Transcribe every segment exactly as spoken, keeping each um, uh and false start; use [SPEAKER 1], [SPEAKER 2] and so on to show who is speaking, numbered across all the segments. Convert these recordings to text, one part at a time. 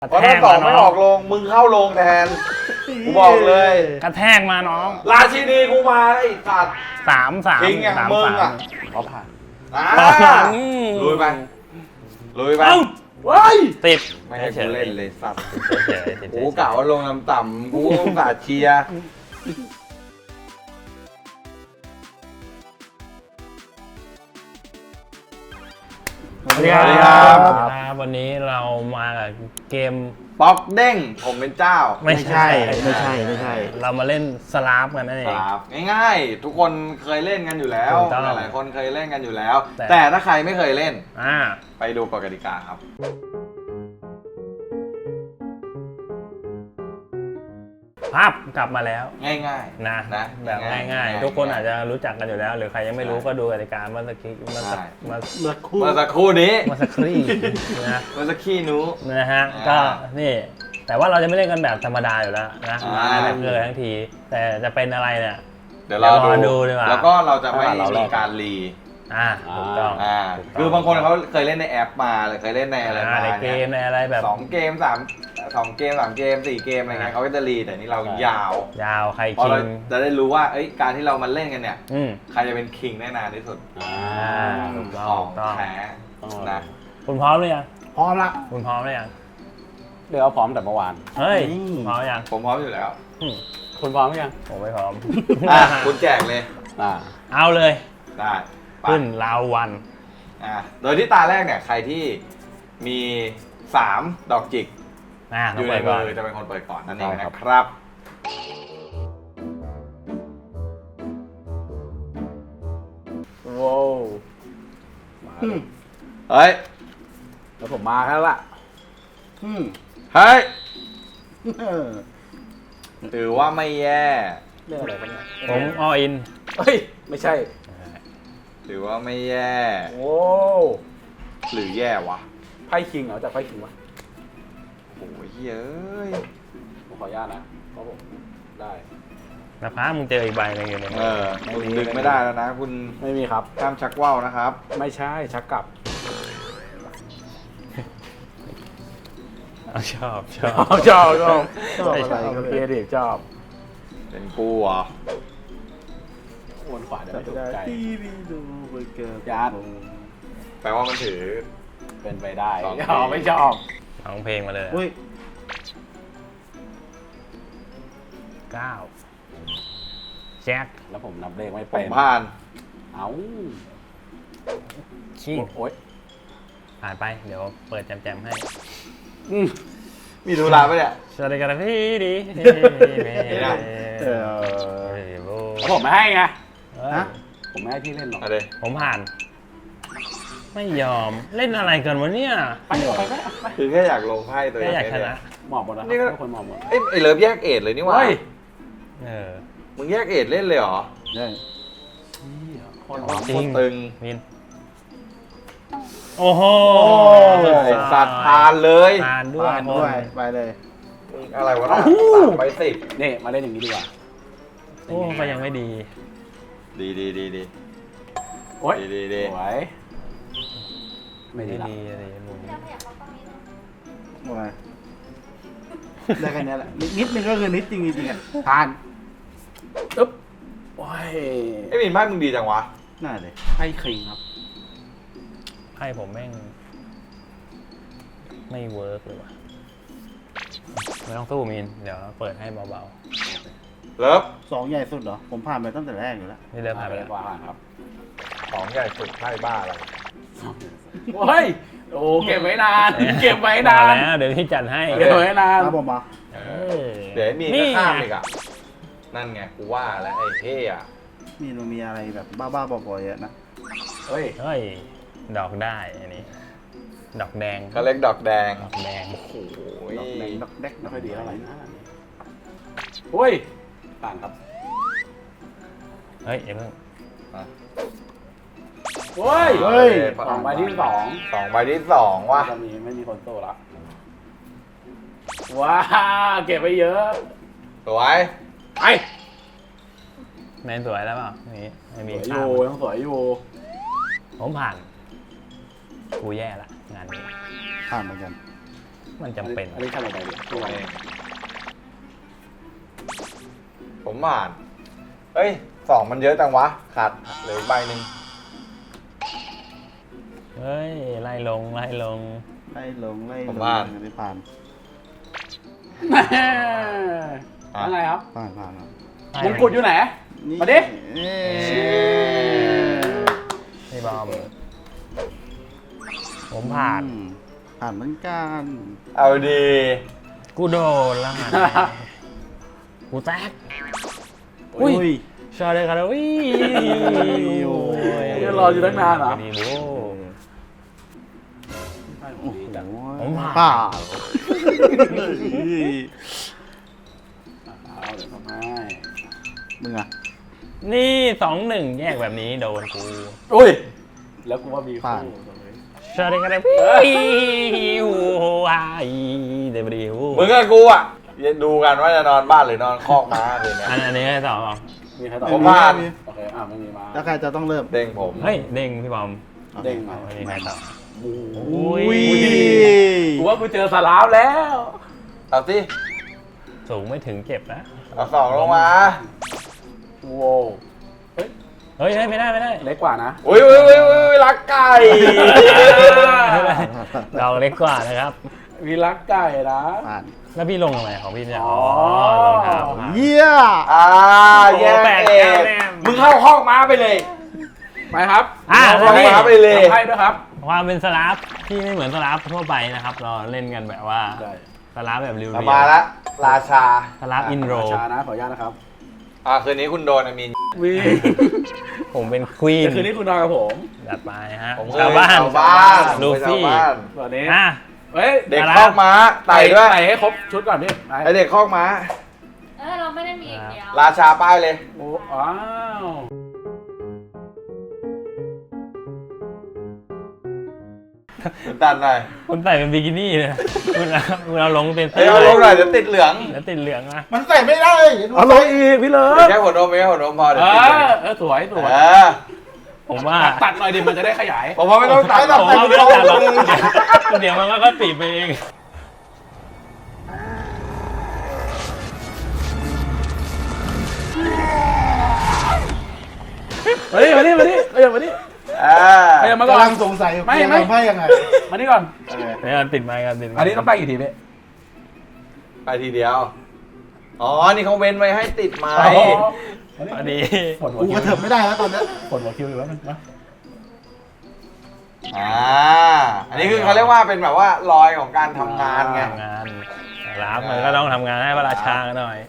[SPEAKER 1] เพราะถ้าสองไม่ออกลงมึงเข้าลงแทนกูบอกเลย
[SPEAKER 2] กระแทกมาน้อง
[SPEAKER 1] ราชินีกูมาไอ้สัตว์
[SPEAKER 2] สามสาม
[SPEAKER 1] ทิ้งอย่างมึงอ่ะ
[SPEAKER 3] เขาผ่าน
[SPEAKER 1] อ่าลุยไปลุยไป
[SPEAKER 2] ว้ายติด
[SPEAKER 1] ไม่ให้กูเล่นเลยสัตว์กู
[SPEAKER 2] กู
[SPEAKER 1] กะว่าลงน้ำต่ำกูสาเชียร์
[SPEAKER 2] สวัสดีครับวันนี้เรามากับเกม
[SPEAKER 1] ป๊อกเด้งผมเป็นเจ้า
[SPEAKER 2] ไม่ใช่
[SPEAKER 3] ไม่ใช่ไม่ใช่
[SPEAKER 2] เรามาเล่นสลาฟกันนั่นเอง
[SPEAKER 1] ง่ายๆทุกคนเคยเล่นกันอยู่แล้วหลายๆคนเคยเล่นกันอยู่แล้วแต่ถ้าใครไม่เคยเล่นไปดูกฎกติกาครับ
[SPEAKER 2] ภาพกลับมาแล้ว
[SPEAKER 1] ง่าย
[SPEAKER 2] ๆนะนะแบบง่ายๆทุกคนอาจจะรู้จักกันอยู่แล้วหรือใครยังไม่รู้ก็ดูกติกาเมื่อสักครู่เมื่อสัก
[SPEAKER 1] เมื่อครู่เมื่อสักครู่นี้
[SPEAKER 2] เมื่อสักครู่นะ
[SPEAKER 1] เมื่อสักขี้นู้
[SPEAKER 2] นะฮะก็นี่แต่ว่าเราจะไม่เล่นกันแบบธรรมดาอยู่แล้วนะมาทั้งเลยทั้งทีแต่จะเป็นอะไรเนี่ย
[SPEAKER 1] เดี๋ยวเราดูดีกว่าแล้วก็เราจะไม่มีการรี
[SPEAKER 2] อ่าถูกต้อง
[SPEAKER 1] อ่าคือบางคนเขาเคยเล่นในแอปมาหรือเคยเล่นในอะไรมา
[SPEAKER 2] ในเกมในอะไรแบบ
[SPEAKER 1] สองเกมสามสองเกมสามเกมสี่เกมอะไรเงี้ยเขาก็จะรีแต่นี่เรายาวย
[SPEAKER 2] าวใคร
[SPEAKER 1] คิงจะได้รู้ว่าเอ้ยการที่เรามาเล่นกันเนี่ยใครจะเป็นคิงได้นานที่สุด
[SPEAKER 2] อ่าถูกต้อง
[SPEAKER 1] แพ้นะ
[SPEAKER 2] คุณพร้อมหรือยัง
[SPEAKER 3] พร้อมละ
[SPEAKER 2] คุณพร้อมหรือยัง
[SPEAKER 3] เดี๋ยวพร้อมแต่เมื่อวาน
[SPEAKER 2] เฮ้ยพร้อมยัง
[SPEAKER 1] ผมพร้อมอยู่แล้ว
[SPEAKER 3] คุณพร้อมหรือยัง
[SPEAKER 2] ผมไม่พร้อม
[SPEAKER 1] คุณแจกเลย
[SPEAKER 2] เอาเลย
[SPEAKER 1] ได้
[SPEAKER 2] ขึ้นราววัน
[SPEAKER 1] อ่าโดยที่ตาแรกเนี่ยใครที่มีสามดอกจิกอยู่ในมือจะเป็นคนเปิดก่อนนั่นเองนะครับ
[SPEAKER 3] ว้าว
[SPEAKER 1] เฮ้ย
[SPEAKER 3] แล้วผมมาแล้วล่ะ
[SPEAKER 1] เฮ้ยถือว่าไม่แย่
[SPEAKER 3] เรื่องอะไรกันเนี่ย
[SPEAKER 2] ผมออิน
[SPEAKER 3] เฮ้ยไม่ใช่
[SPEAKER 1] ถือว่าไม่แย่
[SPEAKER 3] โอ้
[SPEAKER 1] หรือแย่วะ
[SPEAKER 3] ไพ่คิงเหรอจากไพ่คิงวะ
[SPEAKER 1] โอ้ยเย้ย
[SPEAKER 3] ผมขออนุญาตนะเพราะผมได้
[SPEAKER 2] นะพามึงเจออีกใบนึงอยู่เนี่ย
[SPEAKER 1] เออคุณดึงไม่ได้แล้วนะคุณ
[SPEAKER 3] ไม่มีครับ
[SPEAKER 1] ห้ามชักว่าวนะครับ
[SPEAKER 3] ไม่ใช่ชักกลับ
[SPEAKER 2] ชอบชอบ
[SPEAKER 3] ชอบชอบชอบอะไรก็เพียดิชอบ
[SPEAKER 1] เป็นกูเหรอ
[SPEAKER 3] วนขวาเดี๋ยวไม่ถูกใจ
[SPEAKER 1] ยานแปลว่ามันถือ
[SPEAKER 3] เป็นไปได้ชอบไม่ชอบ
[SPEAKER 2] ร้องเพลงมาเลยเก้าแจ็ค
[SPEAKER 3] แล้วผมนับเลขไม่เป็น
[SPEAKER 1] ผ่าน
[SPEAKER 3] เอ้า
[SPEAKER 2] ขี้
[SPEAKER 3] โอ๊ย
[SPEAKER 2] ผ่านไปเดี๋ยวเปิดแจมๆให้
[SPEAKER 1] มีดูราปะเนี่ย
[SPEAKER 2] สวัสดีครับพี่ดี
[SPEAKER 3] ผมไม่ให้ไงผมไม่ให้พี่เล่นหรอก
[SPEAKER 2] ผมผ่านไม่ยอมเล่นอะไรกันวะเนี่ย
[SPEAKER 3] ไปไปไป
[SPEAKER 1] คือแค่อยากลงไพ่ตัวเอง
[SPEAKER 2] แค่อยากชนะ
[SPEAKER 3] หมอบหมดนะนี่ก็คนหมอบหมด
[SPEAKER 1] เอ้ไอเลิฟแยกเอ็ดเลยนี่วะ
[SPEAKER 2] เออ
[SPEAKER 1] มึงแยกเอ็ดเล่นเลยเหรอ
[SPEAKER 3] เล่น
[SPEAKER 1] คนตึง
[SPEAKER 2] มินโอ้โห
[SPEAKER 1] สัตว์ทานเลย
[SPEAKER 2] ทานด้วย
[SPEAKER 3] ด้วยไปเลย
[SPEAKER 1] อะไรวะน่ะไปสิบ
[SPEAKER 3] นี่มาเล่นอย่างนี้ดีกว่า
[SPEAKER 2] โอ้ก็ยังไม่ดี
[SPEAKER 1] ดีดีดีดี
[SPEAKER 3] โอ้ย
[SPEAKER 1] ดีดี
[SPEAKER 3] สวย
[SPEAKER 2] ไม่ดีดีอะไรมุม
[SPEAKER 3] หมดเลยได้แค่นี้แหละนิดนึงก็คือนิดจริงจริงอ่ะทานอึ๊บโอ้ย
[SPEAKER 1] ไอ้มินไพ่มึงดีจังวะ
[SPEAKER 3] น่าเลยไพ่คิงครับ
[SPEAKER 2] ไพ่ผมแม่งไม่เวิร์กเลยว่ะไม่ต้องสู้มินเดี๋ยวเปิดให้เบา
[SPEAKER 1] ๆเลิฟ
[SPEAKER 3] สองใหญ่สุดเหรอผมผ่านไปตั้งแต่แรกอยู่แล้ว
[SPEAKER 2] นี่เลิฟผ่านไปแล้ว
[SPEAKER 3] ครับ
[SPEAKER 1] สองใหญ่สุดไพ่บ้าอะไร
[SPEAKER 3] โอ้ยโอ้เก็บไว้นานเก็บไว้นาน
[SPEAKER 2] แล้วเดี๋ยวพี่จัดให้
[SPEAKER 3] เก็บไว้นานครับผมมา
[SPEAKER 1] เดี๋ยวมีก็ข้ามอีกอ่ะนั่นไงกูว่าแล้วไอ้เท่อะ
[SPEAKER 3] มีมันมีอะไรแบบบ้าๆบอๆเยอะนะ
[SPEAKER 2] เฮ้ยเฮ้ยดอกได้อันนี้ดอกแดง
[SPEAKER 1] ก็เล็กดอกแดง
[SPEAKER 2] ดอกแดง
[SPEAKER 1] โอ้โห
[SPEAKER 3] ดอกแดงดอกแดงไม่ค่อยดีเท่าไหร่นะโอ้ยต่างครับ
[SPEAKER 2] เฮ้ยอย่าเพิ่ง
[SPEAKER 3] เฮ้ยเฮ้ยสองใบที่สอง
[SPEAKER 1] สองใบที่สองว่ะ
[SPEAKER 3] ตอนนี้ไม่มีคนโตละว้าเก็บไปเยอะ
[SPEAKER 1] สวย
[SPEAKER 3] ไป
[SPEAKER 2] แมนสวยแล้วเปล่านี่ไม่มี
[SPEAKER 3] อยู่ยังสวยอยู่
[SPEAKER 2] ผมผ่านกูแย่ละงานนี้
[SPEAKER 3] ผ่านเหมือนกัน
[SPEAKER 2] มันจำเป็น
[SPEAKER 3] อันนี้ขั้นอะไรดิตัว
[SPEAKER 1] ผมอ่านเฮ้ยสองมันเยอะจังวะขาดเหลืออีกใบหนึ่ง
[SPEAKER 2] เฮ้ยไล่ลงไล่ลง
[SPEAKER 3] ไล่ลงไล่ล
[SPEAKER 1] ผม
[SPEAKER 3] ง
[SPEAKER 1] ผ่าน
[SPEAKER 3] อันนี้ผ่าน
[SPEAKER 1] อ่ะ
[SPEAKER 4] อะไรครับ
[SPEAKER 3] ผ่านผ่าน
[SPEAKER 4] มงกุฎอยู่ไหน
[SPEAKER 3] นี่
[SPEAKER 4] มาดิ
[SPEAKER 3] เอ้ย
[SPEAKER 2] พี่บอมผมผ่าน
[SPEAKER 3] อืมผ่านเหมือนกัน
[SPEAKER 1] เอาดี
[SPEAKER 2] กูโดนแล้วไงกูแตก
[SPEAKER 3] อุ้ย
[SPEAKER 2] ชอบเลยกันแล้ววิ่ง
[SPEAKER 3] โอ้ย
[SPEAKER 4] เดี๋ยวรออยู่ตั้งนานเหรอ
[SPEAKER 2] ดีโว้
[SPEAKER 3] โอ้โห
[SPEAKER 2] ผมผ่าน
[SPEAKER 3] ผ่าน
[SPEAKER 4] เอาเดี๋ยวทำให้
[SPEAKER 3] มึงอะ
[SPEAKER 2] นี่สองหนึ่งแยกแบบนี้โดนกู
[SPEAKER 4] อุ้ย แล้วกูว่ามีคู่ตรงนี้
[SPEAKER 2] ชอบเลยกันแล้ววิ่งโอ้ยเดบิว
[SPEAKER 1] มึงกับกูอ่ะดูกันว่าจะนอนบ้านหรือนอนคอกม้าคืนเนี้ย
[SPEAKER 2] อันอันนี้ให้ต่อเปล่า
[SPEAKER 4] มีใครตอบ
[SPEAKER 1] ผมผ่าน
[SPEAKER 4] โอเค อ่ะไม่มีมา
[SPEAKER 3] แล้วใครจะต้องเริ่ม
[SPEAKER 1] เด้งผม
[SPEAKER 2] เฮ้ยเด้งพี่บอม
[SPEAKER 4] เด้ง
[SPEAKER 2] เอา
[SPEAKER 4] มา
[SPEAKER 2] อันนี้ให้ต่อ
[SPEAKER 3] อุ้ย
[SPEAKER 4] กูว่ากูเจอสลามแล้ว
[SPEAKER 1] เอาสิ
[SPEAKER 2] สูงไม่ถึงเจ็บนะ
[SPEAKER 1] เอาสองลงมา
[SPEAKER 4] โว้วเฮ้ย
[SPEAKER 2] เฮ้ยเฮ้ยไม่ได้ไม่ได้
[SPEAKER 4] เล็กกว่านะ
[SPEAKER 1] อุ้ยอุ้ยอุ้ยอุ้ยรักไก่
[SPEAKER 2] เราเล็กกว่านะครับ
[SPEAKER 4] มีรักไก่นะ
[SPEAKER 3] ผ่าน
[SPEAKER 2] แล้วพี่ลงทำไมของพี่เนี่ย
[SPEAKER 4] อ๋
[SPEAKER 2] อ๋
[SPEAKER 4] อ
[SPEAKER 2] อรองเท้า
[SPEAKER 3] เยี่ย
[SPEAKER 1] อ่าแย่เองมึงเข้าคอกม้าไปเลย
[SPEAKER 4] ไปครับ
[SPEAKER 2] อ่ะ
[SPEAKER 1] เอา
[SPEAKER 2] นี่
[SPEAKER 1] มาไปเลย
[SPEAKER 4] ทำให้ด้วยครับ
[SPEAKER 2] ความเป็นสลับที่ไม่เหมือนสลับทั่วไปนะครับ เราเล่นกันแบบว่า
[SPEAKER 4] ได้
[SPEAKER 2] สลับแบบเรียว
[SPEAKER 1] เอามาละราชา
[SPEAKER 2] สลับอินโร
[SPEAKER 4] ชานะ ขออนุญาตนะครับ
[SPEAKER 1] อ่าคืนนี้คุณโดนอามีน
[SPEAKER 4] วี
[SPEAKER 2] ผมเป็นควีน
[SPEAKER 4] เดี๋ยวคืนนี้คุณนอนกับผม
[SPEAKER 2] จัดไปฮะ
[SPEAKER 1] ผมเคย
[SPEAKER 2] ชาวบ้าน
[SPEAKER 1] ชาวบ้าน
[SPEAKER 2] ลูฟี่
[SPEAKER 1] ชาวบ้าน
[SPEAKER 4] ส่วนนี้
[SPEAKER 2] อ่ะ
[SPEAKER 4] เฮ้ย
[SPEAKER 1] เด็ก
[SPEAKER 2] อะไร
[SPEAKER 1] คอกม้าไต่ด้วย
[SPEAKER 4] ไต่ให้ครบชุดก่อนพี่ไป
[SPEAKER 1] ไอเด็กคอกม้า
[SPEAKER 5] เออเราไม่ได้มีอย่างเดียว
[SPEAKER 1] ราชาป้ายเลย
[SPEAKER 4] โอ้อ้าว
[SPEAKER 1] ดันหน่อย
[SPEAKER 2] คุณใส่เป็นบิกินี่เลยคุณเอาคุณเอาลงเป็น
[SPEAKER 1] เฮ้ยเอาลงหน่อยเดี๋ยวติดเหลือง
[SPEAKER 2] แล้วติดเหลืองนะ
[SPEAKER 3] มันใส่ไม่ได้
[SPEAKER 4] เอาลงอีกพี่เลิ
[SPEAKER 1] เดี๋ยว
[SPEAKER 4] ฟ
[SPEAKER 1] แค่หัวนมเองหัวนมพอเดี๋
[SPEAKER 4] เอ
[SPEAKER 1] ยวติดเหลือง
[SPEAKER 4] อเออสวยสวย
[SPEAKER 1] เออ
[SPEAKER 2] ผมว่า
[SPEAKER 4] ตัดตัดหน่อยดิมันจะได้ขยาย
[SPEAKER 1] ผมว่าไม่ต้องตัดหรอก
[SPEAKER 2] ผมว่าไม่ต้องจัดหรอกเดี๋ยวมันก็ติดไปเอง
[SPEAKER 4] มาดิมาดิมาดิเอ้ยมาดิ
[SPEAKER 1] อ่า
[SPEAKER 4] เอ้ยมาก่อก
[SPEAKER 3] ำลั
[SPEAKER 4] น
[SPEAKER 3] งสงสัย
[SPEAKER 4] ไม่
[SPEAKER 3] เกียร์
[SPEAKER 4] ไม่
[SPEAKER 3] ทำให้ยังไง
[SPEAKER 4] มานี่ก่อน
[SPEAKER 3] เออ
[SPEAKER 2] เนี่ยติดไม้กันติดไม้
[SPEAKER 4] อันนี้ต้องไปกี่ทีพี่
[SPEAKER 1] ไปทีเดียว อ๋อ นี่เขาเว้นไว้ให้ติดไม้
[SPEAKER 2] อันนี้
[SPEAKER 4] ปวดหัว
[SPEAKER 3] กู
[SPEAKER 4] คิ
[SPEAKER 3] ก
[SPEAKER 4] ว
[SPEAKER 3] ระเถิบไม่ได้แล้วตอนเนี้ย
[SPEAKER 4] ปวดหัวคิวอยู่แล้วนึงนะ
[SPEAKER 1] อ่า อันนี้คือเขาเรียกว่าเป็นแบบว่ารอยของการทำงานไง
[SPEAKER 2] ทำงานรับมันก็ต้องทำงานให้พระราชาหน่อย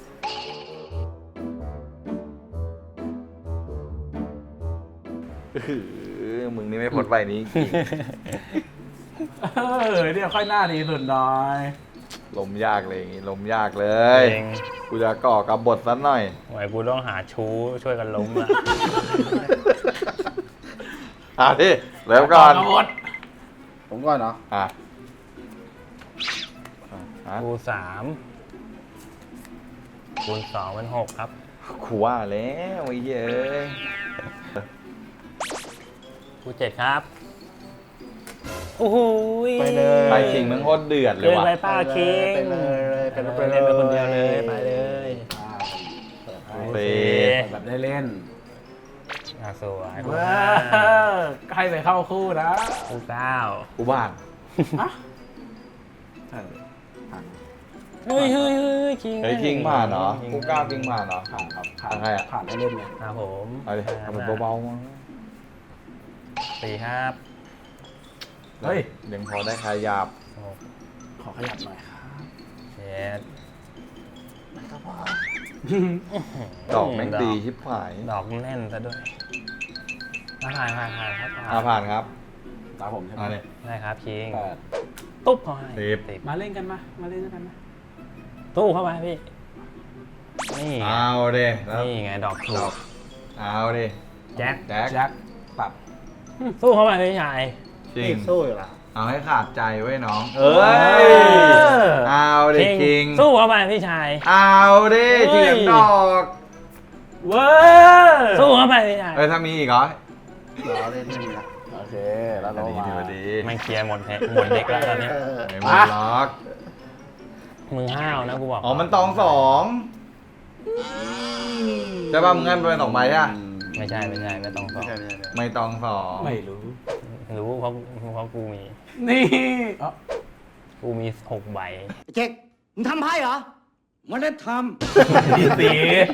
[SPEAKER 1] เออมึงนี่ไม่พ้นใบนี้จริง
[SPEAKER 4] เออเนี่ยค่อยหน้าดีสุดหน่อย
[SPEAKER 1] ลมยากเลยอย่างงี้ลมยากเลย
[SPEAKER 2] เอง
[SPEAKER 1] กูจะก่อกับบทสักหน่อย
[SPEAKER 2] หวยกูต้องหาชู้ช่วยกันล้มละ
[SPEAKER 1] อ่ะที่เริ่มก่อน
[SPEAKER 4] หมด
[SPEAKER 3] ผมก่อนเนาะ
[SPEAKER 1] อ่ะอ่ะ
[SPEAKER 2] กูสามคูณสองเป็นหกครับ
[SPEAKER 1] ขู่ว่าแล้วไอ้เหี้ยเอ้ย
[SPEAKER 2] กูเจ็ดครับโอ้โห
[SPEAKER 3] ไปเลย
[SPEAKER 1] ไปคิงมันโคตรเดือดเลย
[SPEAKER 2] เกิน
[SPEAKER 1] ว่ะ
[SPEAKER 2] ไปป้าคิง
[SPEAKER 3] ไปเลยไป
[SPEAKER 2] ไป
[SPEAKER 3] เลย
[SPEAKER 2] เล่นไปคนเดียวเลยไปเลย
[SPEAKER 4] อ่าเปิดให้
[SPEAKER 1] เฟ
[SPEAKER 4] แบบได้เล่น
[SPEAKER 2] อ่ะสวยกู
[SPEAKER 4] เว้
[SPEAKER 2] ห้าย
[SPEAKER 4] ให้ไปเข้าคู่นะ
[SPEAKER 2] กูเก้า
[SPEAKER 1] กูบ้าน
[SPEAKER 4] ฮะ
[SPEAKER 2] เฮ้ยเฮ้ยเฮ้ยคิง
[SPEAKER 1] เฮ้ยคิงผ่านเนาะกูกล้าคิงผ่านเนาะ
[SPEAKER 4] ผ่านครับผ่าน
[SPEAKER 1] ใครอะ
[SPEAKER 4] ผ่านให้เล่นไง
[SPEAKER 2] ครับผม
[SPEAKER 1] เอาดิทำเป็นเบาๆมั้ง
[SPEAKER 2] สี่ครับ
[SPEAKER 4] เฮ้ย
[SPEAKER 1] ยังพอได้ขยับ
[SPEAKER 2] หก
[SPEAKER 4] ขอขยับหน่อยครับ
[SPEAKER 2] เจ็ด
[SPEAKER 1] ดอกแม่งดีชิบหาย
[SPEAKER 2] ดอกแน่นซะด้วยอ่ะผ่านผ่านผ่านครับ
[SPEAKER 1] อ่าผ่านครับ
[SPEAKER 4] ตามผมใช่ไหม
[SPEAKER 1] อ่าเนี่ย
[SPEAKER 2] ได้ครับคิง
[SPEAKER 4] แปด
[SPEAKER 2] ตุ๊บเข้าให้
[SPEAKER 1] สิบ
[SPEAKER 2] สิบ
[SPEAKER 4] มาเล่นกันมา มาเล่นด้วยกันมา
[SPEAKER 2] ตู้เข้าไปพี่ นี่ไง
[SPEAKER 1] เอาเด้แล้ว
[SPEAKER 2] นี่ไงดอกถู
[SPEAKER 1] ดอก กเอาดิ
[SPEAKER 2] แจ็ค
[SPEAKER 1] แจ็ค
[SPEAKER 4] แจ็คตัด
[SPEAKER 2] สู้เข้าไปพี่ชาย
[SPEAKER 1] จริ
[SPEAKER 3] นี่
[SPEAKER 1] ง
[SPEAKER 3] สู้อยู่ละ
[SPEAKER 1] เอาให้ขาดใจไว้น้อง
[SPEAKER 2] เอ้ย
[SPEAKER 1] เอาดิคิง
[SPEAKER 2] สู้เข้าไปพี่ชาย
[SPEAKER 1] เอาดิ
[SPEAKER 2] เฮ้ย
[SPEAKER 1] เถียงดอก
[SPEAKER 4] เว้ย
[SPEAKER 2] สู้เข้าไปพี่ชาย
[SPEAKER 1] เอ้ยถ้ามีอีกเหรอ
[SPEAKER 3] รอเล่นไม่มีละ
[SPEAKER 4] โอเค
[SPEAKER 3] เคแล้วเรา
[SPEAKER 1] ดี
[SPEAKER 3] มา
[SPEAKER 1] ดีดี
[SPEAKER 2] มันเคลียร์หมดแฮะหมดเด็กแล้วตอนนี้
[SPEAKER 3] เออ
[SPEAKER 1] ไม่หมดล็อก
[SPEAKER 2] มึงห้าวนะกูบอก
[SPEAKER 1] อ๋อมันตองสองใช่ป่ะมึงงั้นเป็นสองใบอ่ะ
[SPEAKER 2] ไม่ใช่ไม่ใช่ไม่ต้องสอ
[SPEAKER 3] ไม่
[SPEAKER 2] ง
[SPEAKER 3] ใช่ไม่ใช่ไม่ใช่
[SPEAKER 1] ไม่ตองสอง
[SPEAKER 4] ไม่รู้
[SPEAKER 2] รู้เพราะเพราะกูมี
[SPEAKER 4] นี่อ๋อ
[SPEAKER 2] กูมีหกใบ
[SPEAKER 6] เจ๊กมึงทำไพ่เหรอไม่ได้ท
[SPEAKER 4] ดีสี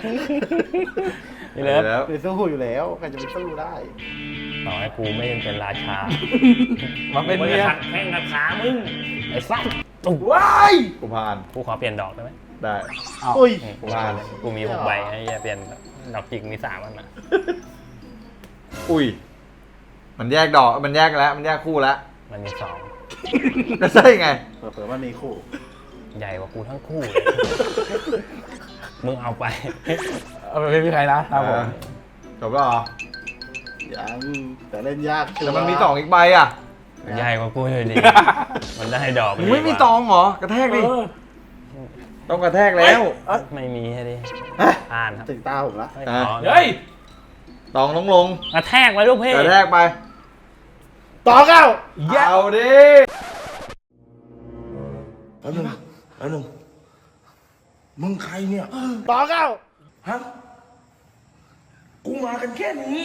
[SPEAKER 2] นี่เลย
[SPEAKER 1] แล้ว
[SPEAKER 3] เป็นสู้อยู่แล้วใครจะไปสู้ได้
[SPEAKER 2] ต่อให้กูไม่เป็นราชา
[SPEAKER 4] มาเป็น
[SPEAKER 2] กู
[SPEAKER 4] เมี
[SPEAKER 2] จะ
[SPEAKER 4] ย
[SPEAKER 2] ขัดแข้งขัดขามึงไอ้สัสตุ๊ก
[SPEAKER 4] ว้าย
[SPEAKER 1] กูผ่าน
[SPEAKER 2] กูขอเปลี่ยนดอกได้ไหม
[SPEAKER 1] ได้
[SPEAKER 3] อุ้ย
[SPEAKER 2] กูว่าเลยกูมีหกใบไอ้เหี้ยเปลี่ยนดอกจิกมีสามอันนะ
[SPEAKER 1] อุ้ยมันแยกดอกมันแยกแล้วมันแยกคู่แล้ว
[SPEAKER 2] มันมีสอง
[SPEAKER 1] ก็ใช่ไง
[SPEAKER 3] เผื่อๆมันมีคู่
[SPEAKER 2] ใหญ่กว่ากูทั้งคู่เลยมึงเอาไป
[SPEAKER 4] เอาไปไม่มีใครนะค
[SPEAKER 1] เอ
[SPEAKER 4] รับผม
[SPEAKER 1] อจบแล้วเหรอ
[SPEAKER 3] ยังแต่เล่นยากชัวร์
[SPEAKER 1] แต่มันมีสองอีกใบอ่ะ
[SPEAKER 2] ใหญ่กว่ากูเลยดิ มันได้ดอก
[SPEAKER 1] มึงไม่มีตองเหรอกระแทกดิ
[SPEAKER 4] เออ
[SPEAKER 1] ต้องกระแทกแล้ว
[SPEAKER 2] ไม่มีให้ดิ
[SPEAKER 1] ฮะ
[SPEAKER 2] อ่านครับ
[SPEAKER 3] ถึงตาผมละ
[SPEAKER 2] เฮ้ย
[SPEAKER 1] อ่ะ
[SPEAKER 2] ขอ
[SPEAKER 4] เฮ้ย
[SPEAKER 1] ตองลงลง
[SPEAKER 2] กระแทกไว้ลูกเพ่
[SPEAKER 1] กระแทกไป
[SPEAKER 3] ต่อเก้า
[SPEAKER 1] เอาดิ
[SPEAKER 7] แป๊บนึงแป๊บนึงมึงใครเนี่ย
[SPEAKER 3] ต่อเก้า
[SPEAKER 7] ฮะ กูมากันแค่นี้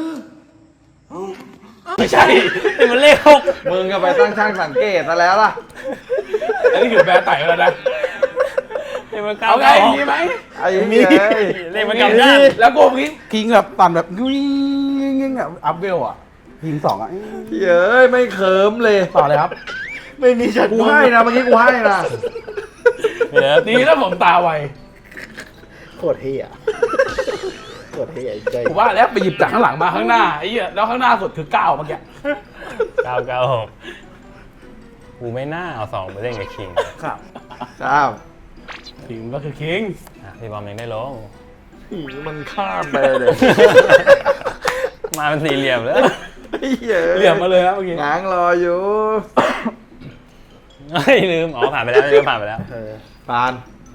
[SPEAKER 2] ไม่ใช่นี่มันเลขหก
[SPEAKER 1] มึงก็ไปตั้งช่างสังเกตซะแล้วล่ะ
[SPEAKER 4] อันนี้คือแบร์ไต่แล้วนะ
[SPEAKER 2] เลขมันเก้า
[SPEAKER 4] เอาไง
[SPEAKER 2] เก้า
[SPEAKER 4] มีไหม
[SPEAKER 1] ไอ้เหี้ย
[SPEAKER 2] เลขมันกลับด้าน
[SPEAKER 4] แล้วกูคิงคิงแบบปั่นแบบวิ่งวิ่งแบบอัพเวลอ่ะยิงสองอ่ะ
[SPEAKER 1] เย้ยไม่เขิมเลย
[SPEAKER 4] ต่อเลยครับ
[SPEAKER 3] ไม่มีฉัน
[SPEAKER 1] กูให้นะเมื่อกี้กูให้นะ
[SPEAKER 2] เดี๋ยว
[SPEAKER 4] ดีแล้วผมตาไว
[SPEAKER 3] โคตรเฮียโคตรเฮียใจ
[SPEAKER 4] ผมว่าแล้วไปหยิบจากข้างหลังมาข้างหน้าไอ้เหี้ยแล้วข้างหน้าสุดคือเก้าเมื่อกี้
[SPEAKER 2] เก้าเก้าหกกูไม่น่าเอาสองไปเล่นกับคิง
[SPEAKER 4] ครับ
[SPEAKER 1] เจ้า
[SPEAKER 4] คิงก็คือคิง
[SPEAKER 2] อ่ะพี่บอมยังได้ลง
[SPEAKER 1] มันข้ามไปเลย
[SPEAKER 2] มาเป็นสี่เหลี่ยมเลย
[SPEAKER 1] ไอ้เหี้ย
[SPEAKER 4] เหลี่ยมมาเลยนะเมื่อกี้
[SPEAKER 1] ง้างรออยู่
[SPEAKER 2] เฮ้ยลืม อ๋อผ่านไปแล้วลืมผ่านไปแล้ว
[SPEAKER 3] เออ
[SPEAKER 1] ปาน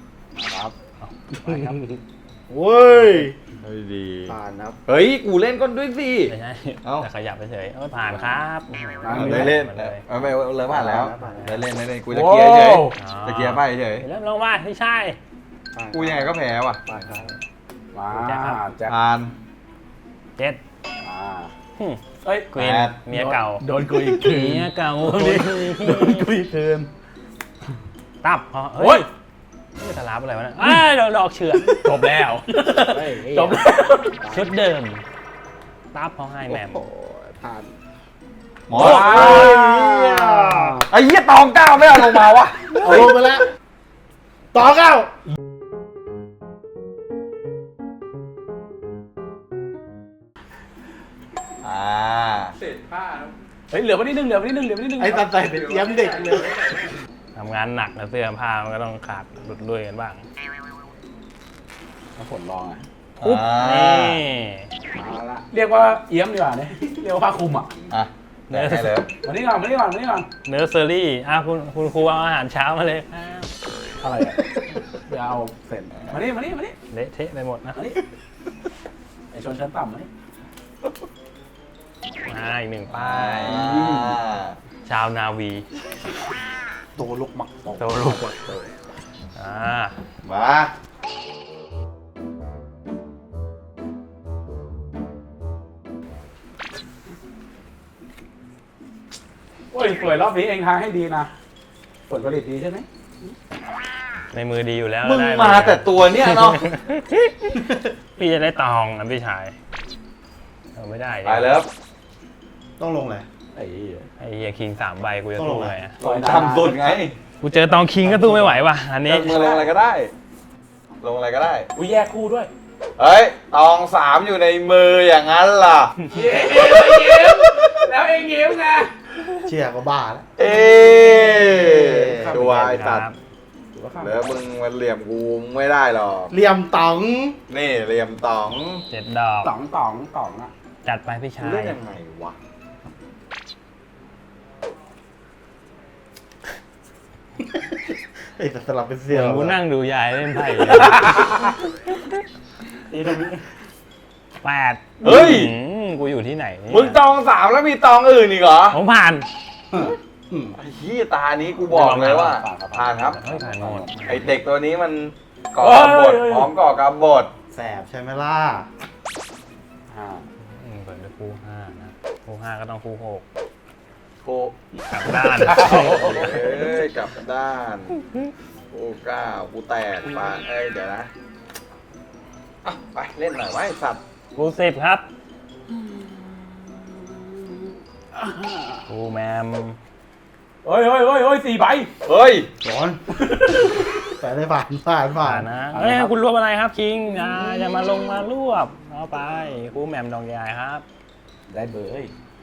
[SPEAKER 3] เว้ย
[SPEAKER 1] เฮ้ยดี
[SPEAKER 3] ผ่านครับ
[SPEAKER 1] เฮ้ยกูเล่นก้นด้วยสิ
[SPEAKER 2] ไม่ใช่
[SPEAKER 1] เอ้า
[SPEAKER 2] แต่ขยับไปเฉยเออผ่านครับ
[SPEAKER 1] ได้เล่น
[SPEAKER 2] มาเลย
[SPEAKER 1] เอาไปเลยผ่านแล้ว
[SPEAKER 3] ผ่านแล้ว
[SPEAKER 1] ได้เล่นได้เล่นกูจะเคลียร์เฉย
[SPEAKER 4] โอ้
[SPEAKER 1] จะเคลียร์ไปเฉย
[SPEAKER 2] เริ่มลงมาไม่ใช่
[SPEAKER 3] ผ่าน
[SPEAKER 1] กูยังไงก็แพ้ว่ะ
[SPEAKER 3] ผ่านครับ
[SPEAKER 4] มา
[SPEAKER 2] แจ็คครับ
[SPEAKER 4] แจ็ค
[SPEAKER 1] ปาน
[SPEAKER 2] เจ็ด
[SPEAKER 4] อ่า
[SPEAKER 2] หึ
[SPEAKER 4] เอ้ย
[SPEAKER 2] กรีน
[SPEAKER 1] แปด
[SPEAKER 2] เมียเก่า
[SPEAKER 4] โดนกูอีกคืน
[SPEAKER 2] เมียเก่า
[SPEAKER 4] โดนกูอีกคืน
[SPEAKER 2] ตับพอ
[SPEAKER 4] โอ้ย
[SPEAKER 2] ไม่ตะลับอะไรวะเนี่ยอ้าวดอกดอกเฉือน
[SPEAKER 4] จบแล้ว
[SPEAKER 3] เฮ้ย
[SPEAKER 4] จบแล้ว
[SPEAKER 2] ชุดเดิม ตับเขาให้แหมม
[SPEAKER 3] โอ้โหผ่าน
[SPEAKER 1] หมอไอ้เหี้ยตองเก้าไม่เอาลงมาวะ
[SPEAKER 3] เอาลงไปแล้วต่อเก้า
[SPEAKER 1] อ่า
[SPEAKER 4] เฮ้ยเหลือไว้นิดนึงเหลือไว้นิดนึงเหลือไว้นิดนึง
[SPEAKER 3] ไอ้ตัดใจเป็นเอี้ยมเด็กเลย
[SPEAKER 2] ทำงานหนักนะเสื้อผ้ามันก็ต้องขาดหลุดด้วยกันบ้าง
[SPEAKER 4] เอาผลลองอ่ะ
[SPEAKER 2] ปุ๊บ
[SPEAKER 1] อ่า
[SPEAKER 2] นี่
[SPEAKER 3] มาละ
[SPEAKER 4] เรียกว่าเอี้ยมดีกว่าเนี่ยเรียกว่าผ้าคลุมอ่ะ
[SPEAKER 1] อ่ะได้ให้เลย
[SPEAKER 4] มานี่ก่อนมานี่ก่อนมานี่ก่อน
[SPEAKER 2] เนื้อเซอรี่อ่ะคุณคุณครูเอาอาหารเช้ามาเลยอ้าว
[SPEAKER 4] อะไรอ่ะเดี๋ยวเอาเสร็จมานี่มานี่มานี่
[SPEAKER 2] เละเทะไปหมดนะ
[SPEAKER 4] มานี่ไอชนชั้นต่ำมานี่
[SPEAKER 2] อ่าอีกหนึ่งป้า
[SPEAKER 1] อ่
[SPEAKER 2] ย
[SPEAKER 1] า
[SPEAKER 2] ชาวนาวี
[SPEAKER 3] ตัวลูกหมักตก
[SPEAKER 2] โตลูกอ่า
[SPEAKER 1] มา
[SPEAKER 4] โอ้ยสวยรอบนี้เองทางให้ดีนะผลผลิตดีใช่ไหม
[SPEAKER 2] ในมือดีอยู่แล้ว
[SPEAKER 1] มึง
[SPEAKER 2] ได้
[SPEAKER 1] มาแต่ตัวเนี้ยเนาะ
[SPEAKER 2] พี่จะได้ตองนะพี่ชายเอาไม่ได้ดิ
[SPEAKER 1] ไปแล้ว
[SPEAKER 3] ต้องลงเลย
[SPEAKER 4] ไอ้เหี้ย
[SPEAKER 2] ไอ้เฮียคิงสามใบกูจะ
[SPEAKER 3] ต้องล
[SPEAKER 2] สู้
[SPEAKER 3] งไหน
[SPEAKER 2] ไงอะ
[SPEAKER 4] ซอยนา
[SPEAKER 1] ทำสุดไง
[SPEAKER 2] กูเจอตองคิงก็สู้ไม่ไหวว่ะอันนี้
[SPEAKER 1] มึงลงอะไรก็ได้ ลงอะไรก็ได้
[SPEAKER 4] อุ้ยแยกคู่ด้วย
[SPEAKER 1] เฮ้ย ตองสามอยู่ในมืออย่างนั้นล่ะ
[SPEAKER 4] เย้ยิ้มแล้วเองยิ้มไง
[SPEAKER 3] เชียร์ก็บ้าแล้ว
[SPEAKER 1] เอ๊ะดูไอ้ตัด
[SPEAKER 4] ถือว่าข้าม
[SPEAKER 1] แล้วมึงมันเหลี่ยมกูไม่ได้หรอก
[SPEAKER 3] เหลี่ยมต๋อง
[SPEAKER 1] นี่เหลี่ยมตอง
[SPEAKER 2] เจ็ดดอก
[SPEAKER 4] ต๋องต๋องต๋องอ่ะ
[SPEAKER 2] จัดไปพี่ชาย
[SPEAKER 1] เล่นยังไงวะ
[SPEAKER 3] ไอ้แต่สลับเป็นเสี่
[SPEAKER 2] เดี๋
[SPEAKER 3] ย
[SPEAKER 2] ยว วกูนั่งดูยายเล่นไพ่อยู่
[SPEAKER 3] นี่ตรงนี้
[SPEAKER 2] แปด
[SPEAKER 1] เฮ้ย
[SPEAKER 2] อืมกูอยู่ที่ไหนเนี่ย
[SPEAKER 1] มึงตองสามแล้วมีตองอื่นอีกเหรอ
[SPEAKER 2] ผมผ่าน
[SPEAKER 1] ไอ้เหี้ยตานี้กูบอกเลยว่าผ่านครับ
[SPEAKER 2] เฮ้ยผ่านหมด
[SPEAKER 1] ไอเด็กตัวนี้มันก่อกำบดพร้อมก่อกำบด
[SPEAKER 3] แสบใช่ไหมล่ะอ่า
[SPEAKER 2] อืมเปิดด้วยคู่ห้านะคู่ห้าก็ต้องคู่หก
[SPEAKER 1] โค
[SPEAKER 2] กลับด้าน
[SPEAKER 1] เอ้ยกลับด้านโอ้ก้าวกูแตกปานเอ้ยเดี๋ยวนะอ่ะไปเล่นหน่อยไว้สัตว์
[SPEAKER 2] คู่สิบครับคู่แมม
[SPEAKER 4] เฮ้ยเฮ้ยเฮ้ยเฮ้ยสี่ใบ
[SPEAKER 1] เฮ้ย
[SPEAKER 3] ร้อนไปเลยผ่านผ่านผ่า
[SPEAKER 2] ผ่าน นนะเอ้ยคุณรวบอะไรครับคิงอย่าอย่ามาลงมารวบเอาไปคู่แมมดองยายครับ
[SPEAKER 4] ได้เบอร์เฮ้ย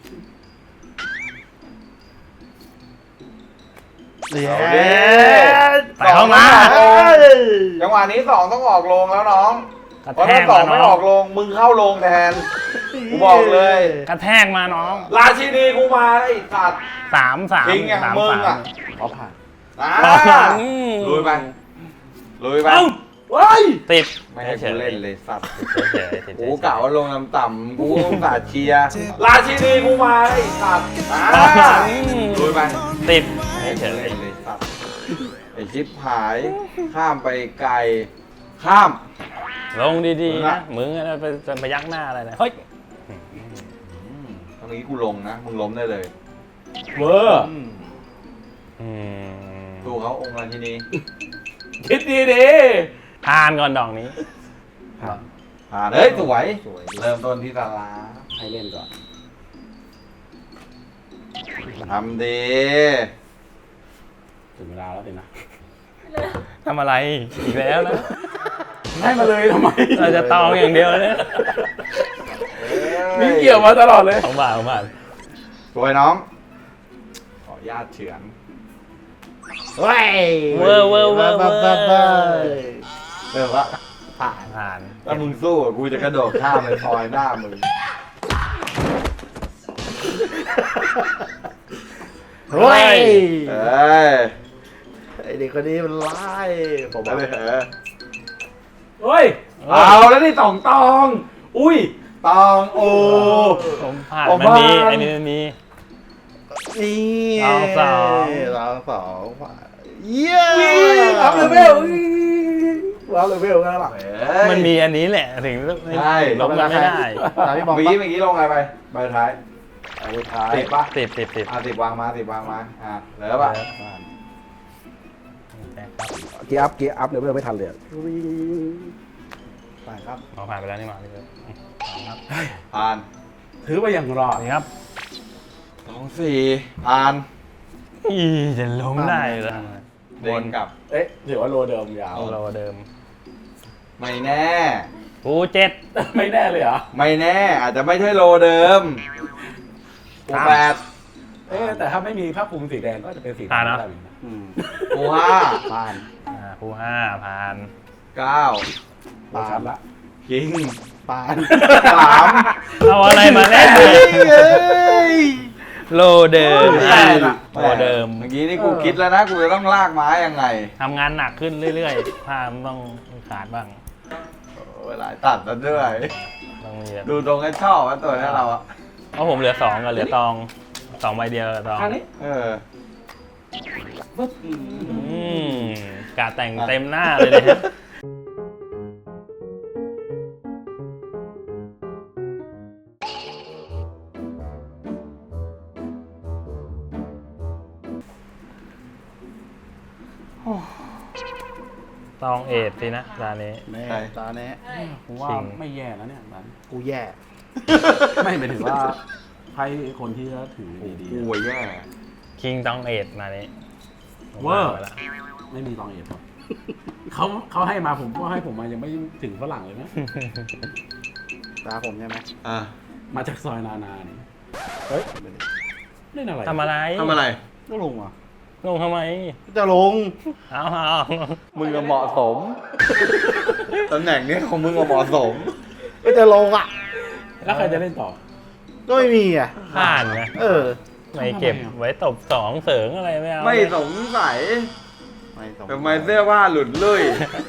[SPEAKER 3] เย้
[SPEAKER 1] เอาดิ
[SPEAKER 2] ไปเข้ามา
[SPEAKER 1] จังหวะนี้สองต้องออกโรงแล้วน้อง
[SPEAKER 2] กระ
[SPEAKER 1] เพราะ
[SPEAKER 2] แท
[SPEAKER 1] ถ้าก สอ
[SPEAKER 2] มาง
[SPEAKER 1] ไม่
[SPEAKER 2] น้
[SPEAKER 1] อ
[SPEAKER 2] อ
[SPEAKER 1] อง กโรงมึงเข้าโรงแทน กูบอกเลย
[SPEAKER 2] กระแทกมาน้อง
[SPEAKER 1] ราชินีกูมาไอ้สัตว์
[SPEAKER 2] สามสาม
[SPEAKER 1] คิงอย่าง
[SPEAKER 2] สาม
[SPEAKER 1] มึง
[SPEAKER 2] สาม
[SPEAKER 1] อ่ะ
[SPEAKER 4] เขาผ่าน
[SPEAKER 1] อ่า
[SPEAKER 2] อืม
[SPEAKER 1] ลุยไปลุยไป
[SPEAKER 2] เอ้า
[SPEAKER 4] เฮ้ย
[SPEAKER 2] ติด
[SPEAKER 1] ไม่ให้กูเล่นเลยสัตว์
[SPEAKER 2] เฉยๆเฉยๆ
[SPEAKER 1] กูกะว่าลงต่ำๆกูต้องสาดเชียร์ราชินีกูมาไอ้สัตว์อ่าลุยไป
[SPEAKER 2] ติด
[SPEAKER 1] ไม่ให้
[SPEAKER 2] เฉ
[SPEAKER 1] กู
[SPEAKER 2] ย
[SPEAKER 1] เล่นเลยสัตว์ไอ้ชิปหาย ข้ามไปไกล ข้าม
[SPEAKER 2] ๆลงดีๆนะมึงอะไรไปไปยักหน้าอะไรนะเฮ้ย
[SPEAKER 1] ตอนนี้กูลงนะ มึงล้มได้เลย
[SPEAKER 4] เวอร์
[SPEAKER 2] อืม
[SPEAKER 1] ดูเขาองค์ราชินี
[SPEAKER 4] คิดดีดี
[SPEAKER 2] ทานก่อนดอกนี้
[SPEAKER 1] ผ่านเฮ้ยสวย เริ่มต้นที่ตาลา
[SPEAKER 3] ให้เล่นก่อน
[SPEAKER 1] ทำดี
[SPEAKER 4] ถึงเวลาแล้วสินะ
[SPEAKER 2] ทำอะไรอีกแล้วนะ
[SPEAKER 4] ให้มาเลยทำไม
[SPEAKER 2] เราจะตองอย่างเดียวเลยเนี่ย
[SPEAKER 4] มีเกี่ยวมาตลอดเลย
[SPEAKER 2] ของบาทของบาท
[SPEAKER 1] สวยน้อง ขออนุญาตเฉือน
[SPEAKER 3] เว้ย
[SPEAKER 2] เวอร์เวอร์เวอร์เวอร์
[SPEAKER 1] เริ่มละ
[SPEAKER 3] ผ่าน
[SPEAKER 2] ผ่าน
[SPEAKER 1] ถ้ามึงสู้อะกูจะกระโดดข้ามไปซอยหน้ามึง
[SPEAKER 3] เฮ้ย
[SPEAKER 1] เอ้ย
[SPEAKER 3] ไอเด็กคนนี้มันไล่ผม
[SPEAKER 1] มา
[SPEAKER 3] ว่า
[SPEAKER 1] เลยเหรอ
[SPEAKER 4] เฮ้ย
[SPEAKER 1] เอาแล้วนี่สองตอง อุ้ย ตองโอ
[SPEAKER 2] ผมผ่าน
[SPEAKER 1] ผม
[SPEAKER 2] มันมี
[SPEAKER 1] ผ่าน
[SPEAKER 2] ไอ้นี่มันมี
[SPEAKER 3] นี่
[SPEAKER 2] เอาสอง
[SPEAKER 3] เราสองผ่านเย้
[SPEAKER 4] อัพเลเวลอัพเลเวลกันแล้วล่ะ
[SPEAKER 2] มันมีอันนี้แหละถึง
[SPEAKER 1] ใช่
[SPEAKER 2] ลบกันไม่ได้
[SPEAKER 3] ตามพี่บอม
[SPEAKER 1] เมื่อ
[SPEAKER 3] ปะ
[SPEAKER 1] กี้เมื่อกี้ลงอะไรไปใบท้าย
[SPEAKER 3] เอาไปท้าย
[SPEAKER 1] ติดปะ
[SPEAKER 2] ติดติดติด
[SPEAKER 1] อ่ะติดวางมาติดวางมาอ่ะเหลือปะ
[SPEAKER 4] เกียร์อัพเกียร์อัพเลเวลไม่ทันเลย
[SPEAKER 3] ผ่านครับ
[SPEAKER 2] เราผ่านไปแล้วนี่หว่าพี่เบิร์ดครับ
[SPEAKER 1] ผ่าน
[SPEAKER 4] ถือไปอย่างรอด
[SPEAKER 2] นี่ครับ
[SPEAKER 1] สองสี่ผ่าน
[SPEAKER 2] อีจะล้มได้เหรอ
[SPEAKER 1] เด้งกลับ
[SPEAKER 4] เอ๊ะถือว่าโลเดิมยาว
[SPEAKER 2] เอาเราเดิม
[SPEAKER 1] ไม่แน่
[SPEAKER 2] กูเจ็ด
[SPEAKER 4] ไม่แน่เลยเหรอ
[SPEAKER 1] ไม่แน่อาจจะไม่ใช่โลเดิมกู
[SPEAKER 2] ครับ
[SPEAKER 1] แปด
[SPEAKER 4] เอ๊ะแต่ถ้าไม่มีผ้าคลุมสีแดงก็จะเป็นสี
[SPEAKER 2] ผ่านนะ
[SPEAKER 4] ได้เหมือนกัน
[SPEAKER 3] อืม
[SPEAKER 1] กูห้า
[SPEAKER 3] ผ่าน
[SPEAKER 2] อ่าคู่ห้าผ่าน
[SPEAKER 1] เก้า
[SPEAKER 4] เราชัดละ
[SPEAKER 1] คิง
[SPEAKER 3] ผ่าน
[SPEAKER 1] สาม
[SPEAKER 2] เอาอะไรมาเล่น
[SPEAKER 3] เฮ้ย
[SPEAKER 2] โลเดิม
[SPEAKER 1] แป
[SPEAKER 2] อ่ะ
[SPEAKER 1] ดอะ
[SPEAKER 2] โลเดิม
[SPEAKER 1] เมื่อกี้นี่กูคิดแล้วนะ กูจะต้องลากไม้ยังไง
[SPEAKER 2] ทำงานหนักขึ้นเรื่อยๆผ้ามันต้องขาดบ้าง
[SPEAKER 1] เวลาตัดแล้วด้วย
[SPEAKER 2] ต้องมีแบบ
[SPEAKER 1] ดูตรงกันชอบว่าตัวนี้เราอะ
[SPEAKER 2] เพราะผมเหลือสองกับเหลือตองสองใบเดียวกับตอง
[SPEAKER 4] ข้างนี้
[SPEAKER 1] เออ
[SPEAKER 4] ปึ๊บ
[SPEAKER 2] อืมกาแต่งเต็มหน้าเลยนะฮะตองเอ็ดสินะร้านนี้
[SPEAKER 3] แน่ตาแน่
[SPEAKER 4] ผมว่า
[SPEAKER 2] จริง
[SPEAKER 4] ไม่แย่แล้วเนี่ยร้าน
[SPEAKER 3] กูแย่
[SPEAKER 4] ไม่หมายถึงว่าไพ่คนที่จะถือดี
[SPEAKER 1] กูอะแย่
[SPEAKER 2] คิงตองเอ็ดมานี้
[SPEAKER 4] เวอร์ ๆไม่มีตองเอ็ดครับเขาเขาให้มาผมก็ให้ผมมายังไม่ถึงฝรั่งเลยนะ
[SPEAKER 3] ตาผมใช่ไหม
[SPEAKER 1] อ่ะ
[SPEAKER 4] มาจากซอยนานานี่เฮ้ยเล่นอะไร
[SPEAKER 2] ทำอะไร
[SPEAKER 1] ทำอะไร
[SPEAKER 3] ก็ลงอ่ะ
[SPEAKER 2] ลงทำไม
[SPEAKER 3] จะลง
[SPEAKER 2] เอาเอา
[SPEAKER 1] มึงก็เหมาะสม ตำแหน่งนี้ของมึงก็เหมาะสม
[SPEAKER 3] ก็จะลงอ่ะ
[SPEAKER 4] แล้วใครจะเล่นต่อ
[SPEAKER 3] ก็ไม่มีอ่ะ
[SPEAKER 2] ผ่านนะ
[SPEAKER 3] เออ
[SPEAKER 2] ไม่เก็บไว้ตบสองเสริงอะไรไม่เอา
[SPEAKER 1] ไม่สงสัย
[SPEAKER 3] ไม่ต้อง
[SPEAKER 1] ทำไมเสื้อผ้าหลุดลุ่ย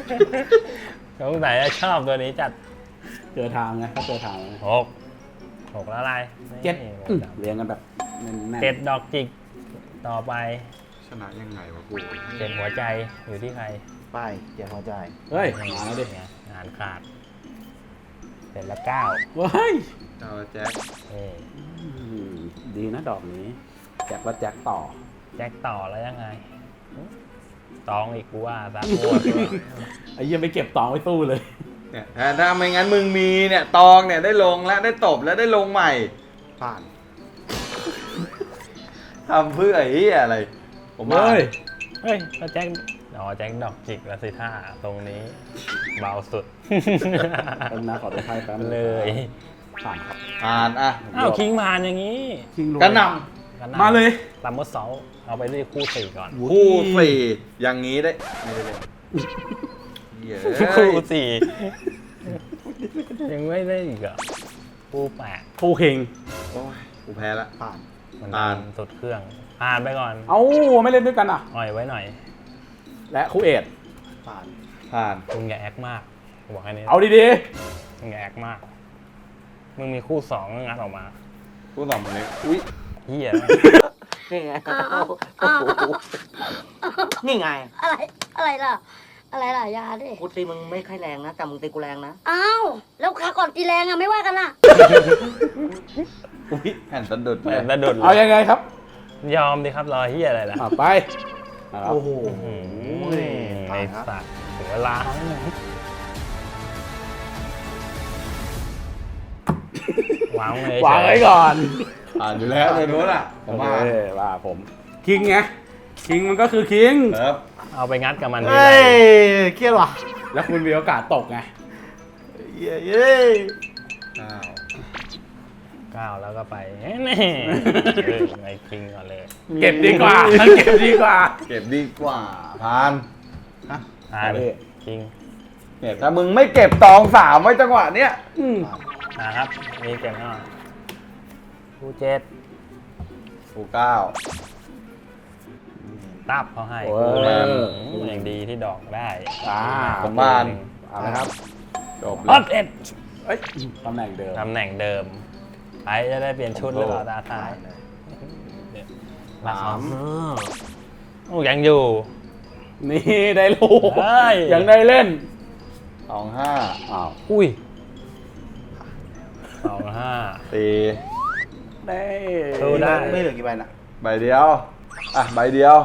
[SPEAKER 2] สงสัยจะชอบตัวนี้จัด
[SPEAKER 4] เจอทางไงถ้าเจอทางไง
[SPEAKER 2] หกหหกแล้วอะไร
[SPEAKER 4] เจ็ด
[SPEAKER 2] นี่
[SPEAKER 4] อืมเรียงกันแบบแน่นๆ
[SPEAKER 2] เจ็ดดอกจิก ต่อไป
[SPEAKER 1] ชนะยังไงวะกู
[SPEAKER 2] เจ็ดหัวใจอยู่ที่ใคร
[SPEAKER 3] ไปเดี๋ยวหัวใจ
[SPEAKER 4] เฮ้ยมาแล้วดิ
[SPEAKER 2] เนี่ยงานขาดเสร็จแล้วเก้า
[SPEAKER 4] เฮ้ย
[SPEAKER 1] เอาละแจ็ค
[SPEAKER 2] เอ้ย
[SPEAKER 4] อืมดีนะดอกนี้ แจ็คแล้วแจ็คต่อ
[SPEAKER 2] แจ็คต่อแล้วยังไงตองอีกกูว่าซักมัวตัว
[SPEAKER 4] ไอ้เหี้ยังไปเก็บตองไว้ตู้เลย
[SPEAKER 1] เนี่ยถ้าถ้าไม่งั้นมึงมีเนี่ยตองเนี่ยได้ลงแล้วได้ตบแล้วได้ลงใหม่
[SPEAKER 3] ผ่าน
[SPEAKER 1] ทำเพื่อไอ้เหี้ยอะไร ผมว่า
[SPEAKER 4] เฮ้ย
[SPEAKER 2] เฮ้ยก็แจ็คอ๋อแจ็คดอกจิกแล้วสิท่าตรงนี้ เบาสุด
[SPEAKER 4] แป๊บนะขอตัวไพ่แป๊บนึง
[SPEAKER 2] เลย
[SPEAKER 4] ผ่านครับ
[SPEAKER 1] อ่านอ่ะ
[SPEAKER 2] อ้าวคิงผ่านอย่างนี้
[SPEAKER 4] คิงลง
[SPEAKER 1] กระหน
[SPEAKER 4] มาเลย
[SPEAKER 2] ลัมเบอร์เซาเอาไปด้วยคู่สี่ก่อน
[SPEAKER 1] ำคู่สี่อย่างนี้ได้ไม่ได้เลยเหี้ย
[SPEAKER 2] คู่สี่ ยังไม่ได้อีกเหรอ่ะคู่แปด
[SPEAKER 4] คู่คิง
[SPEAKER 1] โอ้ยกูแพ้ละ
[SPEAKER 3] ผ่าน
[SPEAKER 2] มัน
[SPEAKER 1] ผ่าน
[SPEAKER 2] สุดเครื่องผ่านไปก่อน
[SPEAKER 4] เอ้าไม่เล่นด้วยกันอ่ะ
[SPEAKER 2] อ่อยไว้หน่อย
[SPEAKER 4] และคู่เอ็ด
[SPEAKER 3] ผ่าน
[SPEAKER 1] ผ่าน
[SPEAKER 2] มึงอย่าแอคมากบอกแค่นี้
[SPEAKER 4] เอาดี
[SPEAKER 2] มึงอย่าแอคมาก มึงมีคู่สองงัดออกมา
[SPEAKER 1] คู่สองมันเล็กอุ้ย
[SPEAKER 2] เฮีย
[SPEAKER 8] นี่ไงโอ้โหนี่ไง
[SPEAKER 9] อะไร อะไรล่ะ อะไรล่ะยาดิ
[SPEAKER 8] กูตีมึงไม่ค่อยแรงนะ แต่มึงตีกูแรงนะ
[SPEAKER 9] อ้าว แล้วขาก่อนตีแรงอะไม่ว่ากันล่ะ
[SPEAKER 1] อุ้ยแผ่นสะดุด
[SPEAKER 2] แบ
[SPEAKER 1] เลย
[SPEAKER 2] บระดุด
[SPEAKER 4] ๆ เอายังไงครับ
[SPEAKER 2] ยอมดิครับรอเฮียอะไรล่ะ
[SPEAKER 4] อ่ะไปนะครับ
[SPEAKER 3] โอ้โห
[SPEAKER 2] อืมไอ้สัตว์ถึงเวลาแล้วนะวางเลยว
[SPEAKER 4] างไว้ก่อน
[SPEAKER 1] ผ่านอยู่แล้วเลยนู้นอ่ะผ
[SPEAKER 4] โอ
[SPEAKER 1] ม
[SPEAKER 4] เค
[SPEAKER 1] ว่า
[SPEAKER 4] ว่าผม คิงไง คิงมันก็คือคิง
[SPEAKER 1] ครับ
[SPEAKER 2] เอาไปงัดกับมันที
[SPEAKER 3] เฮ้
[SPEAKER 2] ไร
[SPEAKER 3] ยเครียดว่ะ
[SPEAKER 4] แล้วคุณมีโอกาสตกไง
[SPEAKER 3] เย้เย้ย
[SPEAKER 1] อ้าว
[SPEAKER 2] ก้าวแล้วก็ไปนี่เออไอ้คิงก่อนเลย
[SPEAKER 4] เก็บดีกว่า เก็บดีกว่า
[SPEAKER 1] เก็บดีกว่าผ่าน
[SPEAKER 2] อ่าดิคิง
[SPEAKER 1] เนี่ยถ้ามึงไม่เก็บตองสามไว้จังหวะเนี้ย
[SPEAKER 4] อืม
[SPEAKER 2] นะครับมีเก็บหน่อยคู่เจ็ด
[SPEAKER 1] คู่เก้า
[SPEAKER 2] ตับเขาให้
[SPEAKER 4] โอ้
[SPEAKER 2] คู่
[SPEAKER 4] ย
[SPEAKER 2] แรกอย่างดีที่ดอกได้
[SPEAKER 4] อ่า
[SPEAKER 1] ผมบ้าน
[SPEAKER 4] เอาละครับ
[SPEAKER 1] จบ
[SPEAKER 2] อ
[SPEAKER 1] แล้
[SPEAKER 2] อ
[SPEAKER 1] ว
[SPEAKER 2] ดเอ็ด
[SPEAKER 4] เอ้ยตำแหน่งเดิม
[SPEAKER 2] ตำแหน่งเดิมไปจะได้เปลี่ยนชุดหรือเปล่าตาท้ายมาสามโอ้ยังอยู่
[SPEAKER 4] นี่ได้ลูก
[SPEAKER 2] เฮ้ย
[SPEAKER 4] ยังได้เล่น
[SPEAKER 1] สองห้า
[SPEAKER 4] อ้าว
[SPEAKER 2] อุ้ยสองห้า
[SPEAKER 1] สี่
[SPEAKER 4] ได้
[SPEAKER 2] สู้ได้
[SPEAKER 3] ไม่เหลือกี่ใบน่ะ
[SPEAKER 1] ใบเดียว อ่ะใบเดียว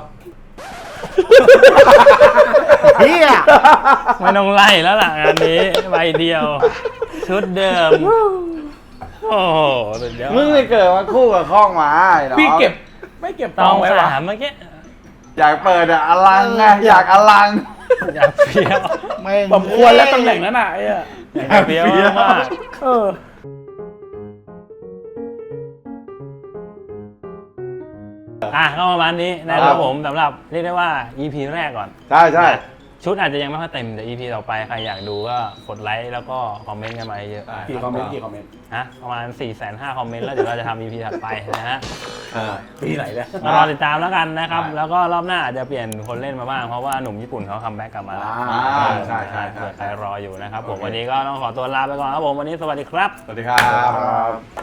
[SPEAKER 3] เฮีย
[SPEAKER 2] ไม่ต้องไล่แล้วล่ะงานนี้ใบเดียว ชุดเดิม โอ้โหสุดยอด
[SPEAKER 1] มึงไม่เกิดมาคู่กับข้องหมาไอ้น้อง
[SPEAKER 4] พี่เก็บ ไม่เก็บ
[SPEAKER 2] ต
[SPEAKER 4] ต
[SPEAKER 2] อ
[SPEAKER 4] อง งไว้วะ
[SPEAKER 2] สามเมื่อกี้
[SPEAKER 1] อยากเปิดอะอลังไงอยากอลัง
[SPEAKER 2] อยากเฟี้ยว
[SPEAKER 3] แม่ง
[SPEAKER 4] สมควรแล้วตำแหน่งนั้นน่ะไอ้อะ
[SPEAKER 2] อยากเฟี้ยวมาก
[SPEAKER 4] เออ
[SPEAKER 2] อ่ะก็ประมาณนี้นะค
[SPEAKER 1] ครั
[SPEAKER 2] รับบ ผมสำหรับเรียกได้ว่า อี พี แรกก่อน
[SPEAKER 1] ใช่ใช่
[SPEAKER 2] ชุดอาจจะยังไม่ค่อยเต็มแต่ อี พี ต่อไปใครอยากดูก็กดไลค์แล้วก็คอมเมนต์กันมาเยอะ
[SPEAKER 4] กี่คอมเมนต์กี่คอมเมนต์
[SPEAKER 2] ฮะประมาณ สี่แสนห้า คอมเมนต์แล้วเดี๋ยวเราจะทำ อี พี ถัดไปนะฮะ
[SPEAKER 1] อ่า
[SPEAKER 4] ปีไหนเนี่ย
[SPEAKER 2] มารอติดตามแล้วกันนะครับ
[SPEAKER 1] ได้
[SPEAKER 2] แล้วก็รอบหน้าอาจจะเปลี่ยนคนเล่นมาบ้างเพราะว่าหนุ่มญี่ปุ่นเขาคัมแบ็กกลับมาแล้ว
[SPEAKER 4] อ่า
[SPEAKER 1] ใช่ใช่ใช่
[SPEAKER 2] เผื่อใครรออยู่นะครับผม
[SPEAKER 1] โอเค
[SPEAKER 2] วันนี้ก็ต้องขอตัวลาไปก่อนครับผมวันนี้สวัสดีครับ
[SPEAKER 1] สวัสดีครับ